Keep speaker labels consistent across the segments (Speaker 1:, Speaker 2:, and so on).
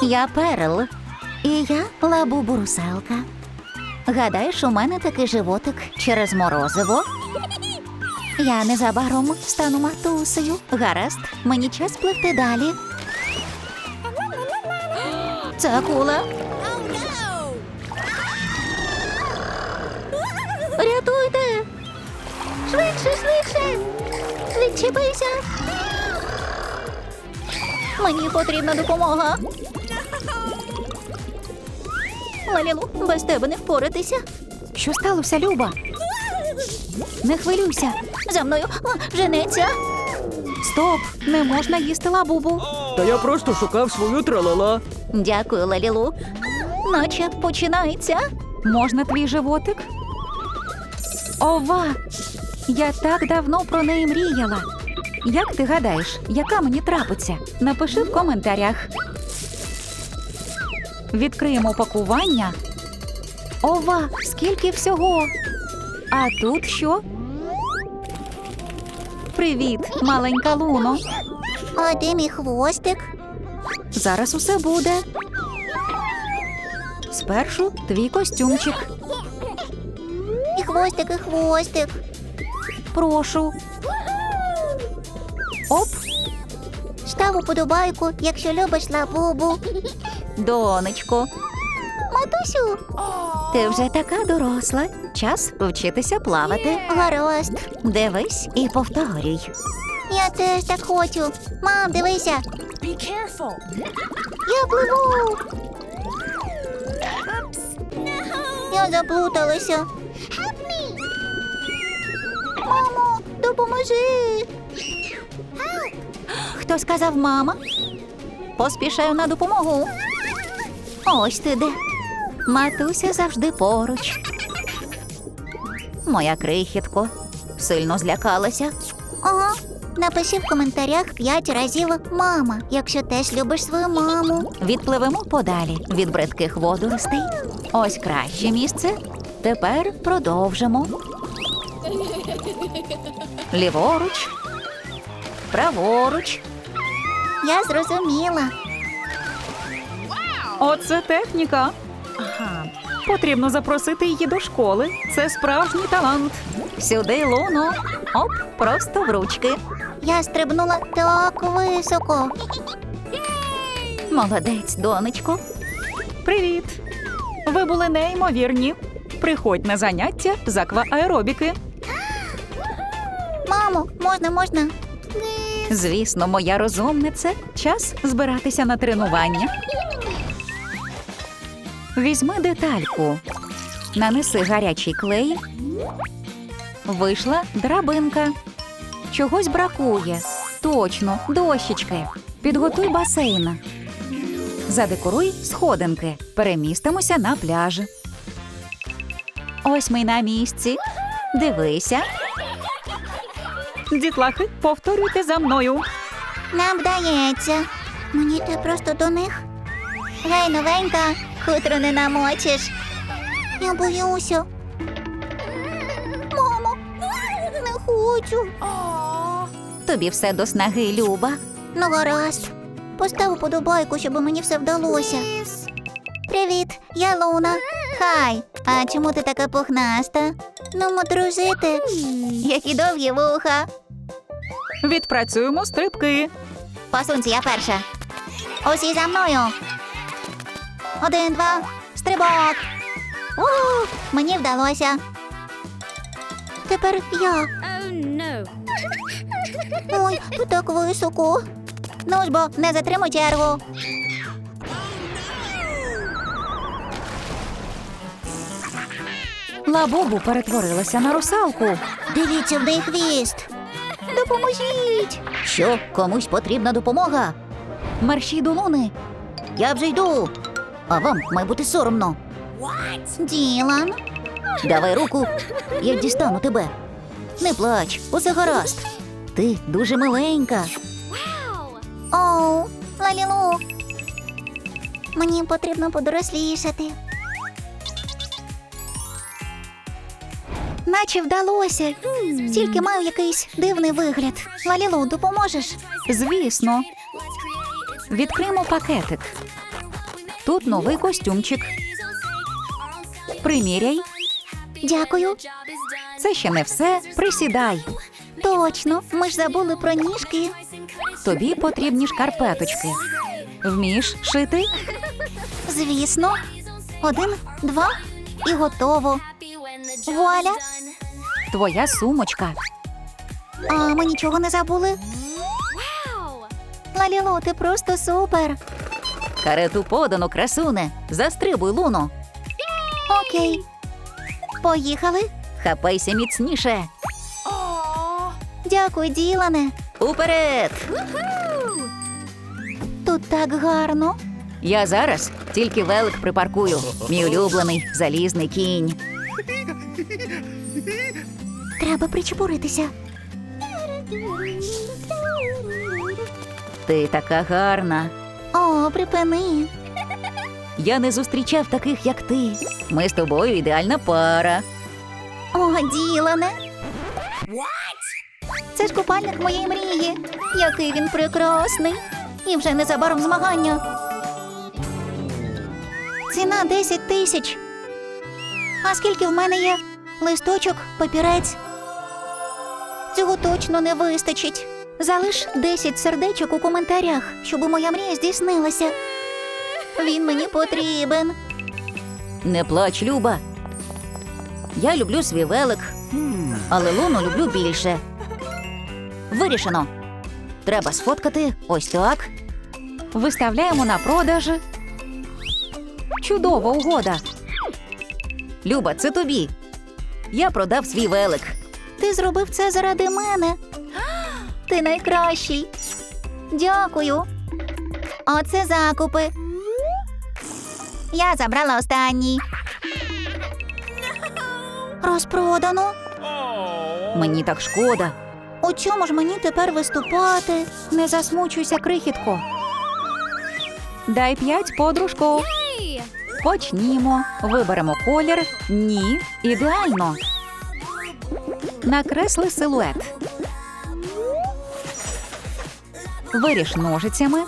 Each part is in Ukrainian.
Speaker 1: Я Перл. І я Лабубу-русалка. Гадаєш, у мене такий животик через морозиво? Я незабаром стану матусею. Гаразд, мені час пливти далі. Це акула. Рятуйте! Швидше, швидше! Відчепися! Мені потрібна допомога. Лалілу, без тебе не впоратися. Що сталося, Люба? Не хвилюйся. За мною женеться. Стоп, не можна їсти Лабубу.
Speaker 2: Та я просто шукав свою тралала.
Speaker 1: Дякую, Лалілу. Наче починається. Можна твій животик? Ова! Я так давно про неї мріяла. Як ти гадаєш, яка мені трапиться? Напиши в коментарях. Відкриємо пакування. Ова, скільки всього! А тут що? Привіт, маленька Луно.
Speaker 3: А де мій хвостик?
Speaker 1: Зараз усе буде. Спершу твій костюмчик.
Speaker 3: І хвостик, і хвостик.
Speaker 1: Прошу. Оп,
Speaker 3: Став уподобайку, якщо любиш Лабубу.
Speaker 1: донечко.
Speaker 3: Матусю,
Speaker 1: Ти вже така доросла. Час вчитися плавати.
Speaker 3: гаразд.
Speaker 1: Дивись і повторюй.
Speaker 3: Я теж так хочу. Мам, дивися. Я пливу. Я заплуталася. Мамо, допоможи.
Speaker 1: Хто сказав мама? Поспішаю на допомогу. Ось ти де. Матуся завжди поруч. Моя крихітко. Сильно злякалася.
Speaker 3: Ага. Напиши в коментарях 5 разів «мама», якщо теж любиш свою маму.
Speaker 1: Відпливемо подалі від бридких водоростей. Ось краще місце. Тепер продовжимо. Ліворуч. Праворуч.
Speaker 3: Я зрозуміла.
Speaker 4: Оце техніка. Потрібно запросити її до школи. Це справжній талант.
Speaker 1: Сюди, Луно. Оп, просто в ручки.
Speaker 3: Я стрибнула так високо.
Speaker 1: Молодець, донечко.
Speaker 4: Привіт! Ви були неймовірні. Приходь на заняття з аквааеробіки.
Speaker 3: Мамо, можна?
Speaker 1: Звісно, моя розумниця. Час збиратися на тренування. Візьми детальку. Нанеси гарячий клей. Вийшла драбинка. Чогось бракує. Точно, дощечки. Підготуй басейн. Задекоруй сходинки. Перемістимося на пляж. Ось ми на місці. Дивися.
Speaker 4: Дітлахи, повторюйте за мною.
Speaker 3: Нам вдається. Мені йти просто до них. Гей, новенька, хутро не намочиш. Я боюся. Мамо, не хочу.
Speaker 1: Тобі все до снаги, Люба.
Speaker 3: Ну, гаразд. Постав уподобайку, щоб мені все вдалося. Привіт, я Луна. Хай, а чому ти така пухнаста? Ну, дружити. Які довгі вуха.
Speaker 4: Відпрацюємо стрибки.
Speaker 3: Посунься, я перша. Усі за мною. 1, 2, стрибок. Мені вдалося. Тепер я. Ой, тут так високо. Ну ж бо, не затримуй чергу.
Speaker 1: Лабубу перетворилася на русалку.
Speaker 3: Дивіться, в неї хвіст. Допоможіть.
Speaker 1: Що, комусь потрібна допомога? Мерщій до Луни.
Speaker 3: Я вже йду.
Speaker 1: А вам має бути соромно.
Speaker 3: Ділан.
Speaker 1: Давай руку, я дістану тебе. Не плач, усе гаразд. Ти дуже миленька.
Speaker 3: Оу, Лалілу. Мені потрібно подорослішати. Наче вдалося. Тільки маю якийсь дивний вигляд. Лалілу, допоможеш?
Speaker 1: Звісно. Відкриємо пакетик.
Speaker 4: Тут новий костюмчик. Приміряй.
Speaker 3: Дякую.
Speaker 4: Це ще не все. Присідай.
Speaker 3: Точно, ми ж забули про ніжки.
Speaker 4: Тобі потрібні шкарпеточки. Вмієш шити?
Speaker 3: Звісно. 1, 2 і готово. Вуаля.
Speaker 4: Твоя сумочка.
Speaker 3: А ми нічого не забули? Лалілу, ти просто супер.
Speaker 1: Карету подано, красуне. Застрибуй, Луно.
Speaker 3: Окей. Поїхали.
Speaker 1: Хапайся міцніше.
Speaker 3: Дякую, Ділане.
Speaker 1: Уперед!
Speaker 3: Тут так гарно.
Speaker 1: Я зараз тільки велик припаркую. Мій улюблений залізний кінь.
Speaker 3: Треба причепуритися.
Speaker 1: Ти така гарна.
Speaker 3: О, припини.
Speaker 1: Я не зустрічав таких, як ти. Ми з тобою ідеальна пара.
Speaker 3: О, Ділане. Це ж купальник моєї мрії. Який він прекрасний. І вже незабаром змагання. Ціна 10 тисяч. А скільки в мене є? Листочок, папірець. Цього точно не вистачить. Залиш 10 сердечок у коментарях, щоб моя мрія здійснилася. Він мені потрібен.
Speaker 1: Не плач, Люба. Я люблю свій велик, але Луну люблю більше. Вирішено. Треба сфоткати ось так.
Speaker 4: Виставляємо на продаж. Чудова угода.
Speaker 1: Люба, це тобі. Я продав свій велик.
Speaker 3: Ти зробив це заради мене. Ти найкращий. Дякую. Оце закупи. Я забрала останній. Розпродано.
Speaker 1: Мені так шкода.
Speaker 3: У чому ж мені тепер виступати?
Speaker 4: Не засмучуйся, крихітко. Дай 5, подружко. Почнімо. Виберемо колір. Ні. Ідеально. Накресли силует. Виріж ножицями.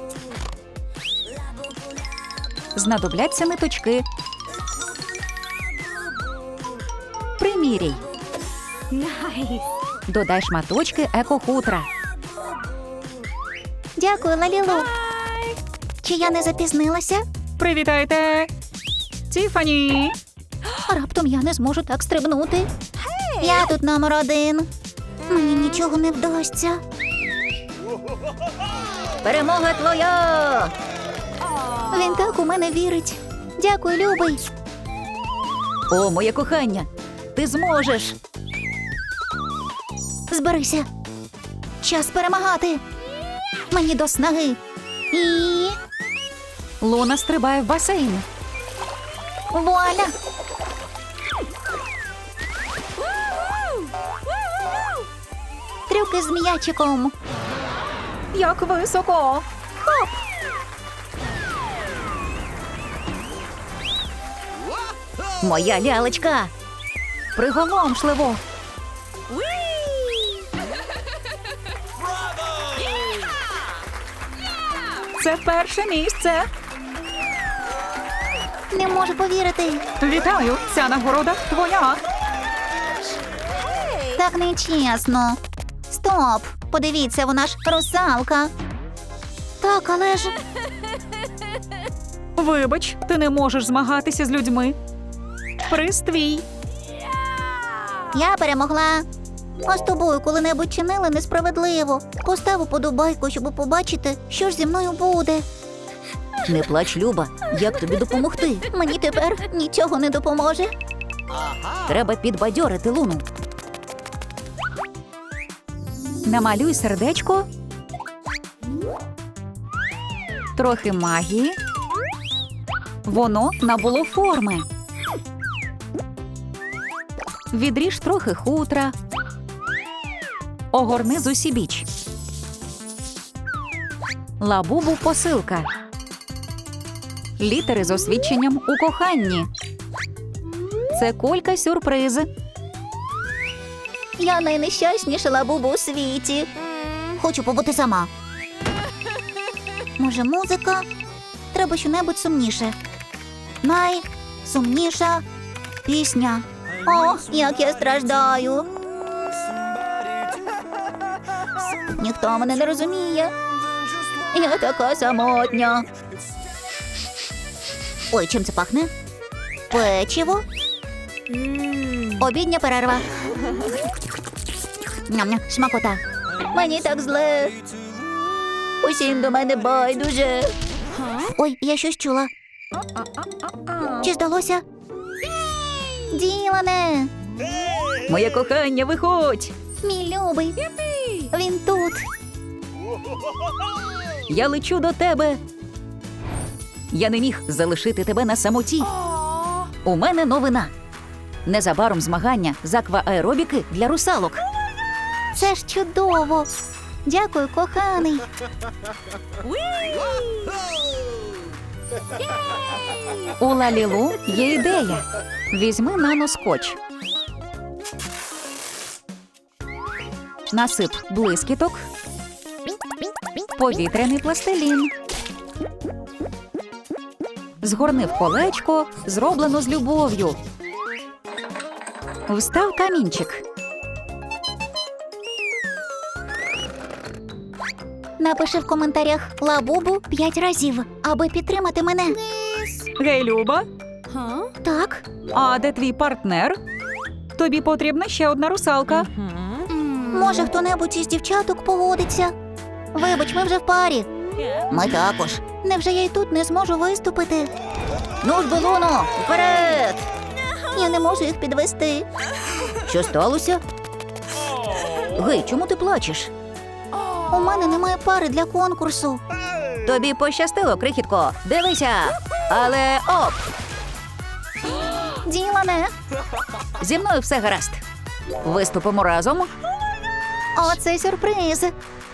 Speaker 4: Знадобляться ниточки. Приміряй. Додай шматочки екохутра.
Speaker 3: Дякую, Лалілу. Чи я не запізнилася?
Speaker 4: Привітайте! Тіфані!
Speaker 3: Раптом я не зможу так стрибнути. Я тут номер 1. Мені нічого не вдасться.
Speaker 1: Перемога твоя!
Speaker 3: Він так у мене вірить. Дякую, любий.
Speaker 1: О, моє кохання! Ти зможеш!
Speaker 3: Зберися. Час перемагати. Мені до снаги. І...
Speaker 4: Луна стрибає в басейн.
Speaker 3: вуаля! Трюки з м'ячиком.
Speaker 4: Як високо!
Speaker 1: Моя лялечка!
Speaker 4: Приголомшливо! Це перше місце!
Speaker 3: Не можу повірити.
Speaker 4: Вітаю! Ця нагорода твоя!
Speaker 3: Так нечесно. Стоп! Подивіться, вона ж русалка. Так, але ж...
Speaker 4: Вибач, ти не можеш змагатися з людьми. Приз твій.
Speaker 3: Я перемогла. А з тобою коли-небудь чинили несправедливо. Постав уподобайку, щоб побачити, що ж зі мною буде.
Speaker 1: Не плач, Люба. Як тобі допомогти?
Speaker 3: Мені тепер нічого не допоможе.
Speaker 1: Треба підбадьорити Луну.
Speaker 4: Намалюй сердечко. Трохи магії. Воно набуло форми. Відріж трохи хутра. Огорни зусібіч. Лабубу посилка. Літери з освідченням у коханні. Це кулька-сюрприз.
Speaker 3: Я найнещасніша лабуба у світі. Хочу побути сама. Може, музика? Треба щонебудь сумніше. Найсумніша пісня. О, як я страждаю. Ніхто мене не розуміє. Я така самотня. Ой, чим це пахне? Печиво. Обідня перерва. Ням-ням, смакота. Мені так зле. Усім до мене байдуже. Ой, я щось чула. Чи здалося? Ділане!
Speaker 4: Моє кохання, виходь!
Speaker 3: Мій любий. Він тут.
Speaker 4: Я лечу до тебе. Я не міг залишити тебе на самоті. У мене новина. Незабаром змагання з аквааеробіки для русалок.
Speaker 3: Це ж чудово. Дякую, коханий.
Speaker 4: У Лалілу є ідея. Візьми наноскотч. Насип блискіток. Повітряний пластилін. Згорни в колечко, зроблено з любов'ю. Встав камінчик.
Speaker 3: Напиши в коментарях «Лабубу» 5 разів, аби підтримати мене.
Speaker 4: Гей, Люба,
Speaker 3: Так?
Speaker 4: а де твій партнер? Тобі потрібна ще одна русалка.
Speaker 3: Може, хто-небудь із дівчаток погодиться? Вибач, ми вже в парі. Ми також. Невже я й тут не зможу виступити?
Speaker 1: Ну ж, Белуно, вперед!
Speaker 3: Я не можу їх підвести.
Speaker 1: Що сталося? Гей, чому ти плачеш?
Speaker 3: У мене немає пари для конкурсу.
Speaker 1: Тобі пощастило, крихітко. Дивися. Але оп!
Speaker 3: Ділане,
Speaker 1: Зі мною все гаразд. Виступимо разом.
Speaker 3: оце сюрприз.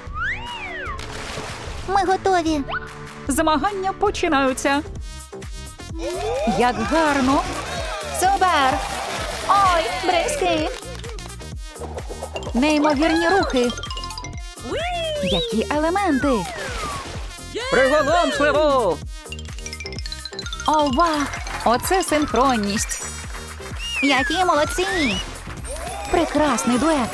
Speaker 3: Ми готові.
Speaker 4: Змагання починаються. Як гарно!
Speaker 1: Супер!
Speaker 3: Ой, бризки.
Speaker 4: Неймовірні рухи. Які елементи! Приголомшливо! Ова! Оце синхронність!
Speaker 3: Які молодці.
Speaker 4: Прекрасний дует!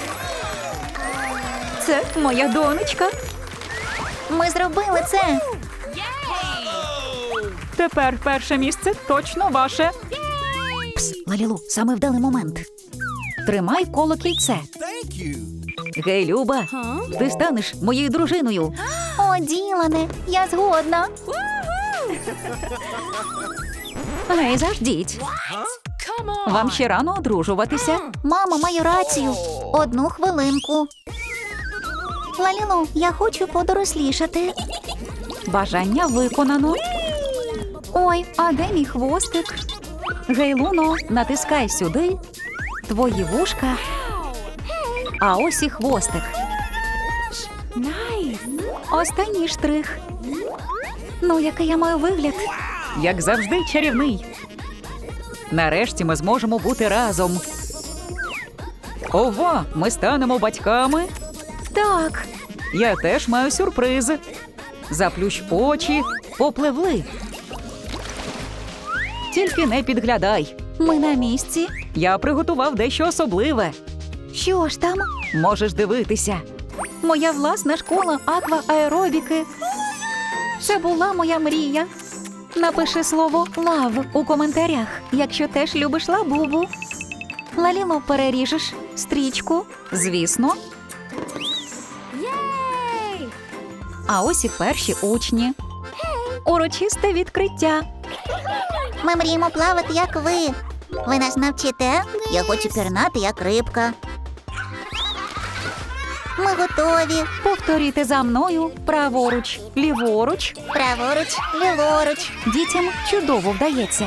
Speaker 4: Це моя донечка.
Speaker 3: Ми зробили це.
Speaker 4: Тепер перше місце точно ваше.
Speaker 1: Пс, Лалілу, саме вдалий момент.
Speaker 4: Тримай коло кільце.
Speaker 1: Гей, Люба, ти станеш моєю дружиною.
Speaker 3: О, Ділане, я згодна.
Speaker 4: Гей, заждіть. Вам ще рано одружуватися.
Speaker 3: Мама має рацію. 1 хвилинку. Лалілу, я хочу подорослішати.
Speaker 4: Бажання виконано. Ой, а де мій хвостик? Гей, Луно, натискай сюди. Твої вушка. А ось і хвостик. Останній штрих. Ну, який я маю вигляд? Як завжди, чарівний. Нарешті ми зможемо бути разом. Ова, ми станемо батьками?
Speaker 3: Так.
Speaker 4: Я теж маю сюрприз. Заплющ очі, попливли. Тільки не підглядай.
Speaker 3: Ми на місці.
Speaker 4: Я приготував дещо особливе.
Speaker 3: Що ж там?
Speaker 4: Можеш дивитися. Моя власна школа аквааеробіки. Це була моя мрія. Напиши слово «лав» у коментарях, якщо теж любиш лабубу. Лаліло, переріжеш стрічку? Звісно. А ось і перші учні. Урочисте відкриття.
Speaker 3: Ми мріємо плавати, як ви. Ви нас навчите? Я хочу пірнати, як рибка. Ми готові.
Speaker 4: Повторюйте за мною праворуч, ліворуч.
Speaker 3: Праворуч, ліворуч.
Speaker 4: Дітям чудово вдається.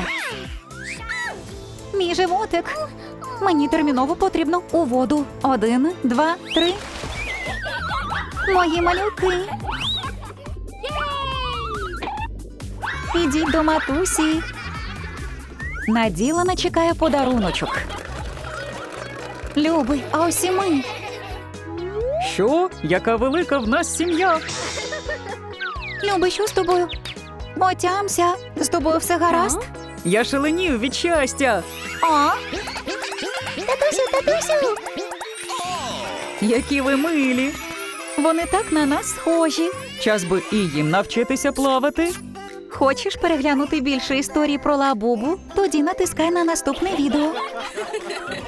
Speaker 4: Мій животик. Мені терміново потрібно у воду. 1, 2, 3. Мої малюки. Ідіть до матусі. Наділана чекає подаруночок. Любий, а ось і ми. Що? Яка велика в нас сім'я?
Speaker 3: Люби, що з тобою?
Speaker 1: Отямся, з тобою все гаразд?
Speaker 2: Я шаленів від щастя.
Speaker 1: О,
Speaker 3: Татусю!
Speaker 2: Які ви милі.
Speaker 1: вони так на нас схожі.
Speaker 2: Час би і їм навчитися плавати.
Speaker 1: Хочеш переглянути більше історій про Лабубу? Тоді натискай на наступне відео.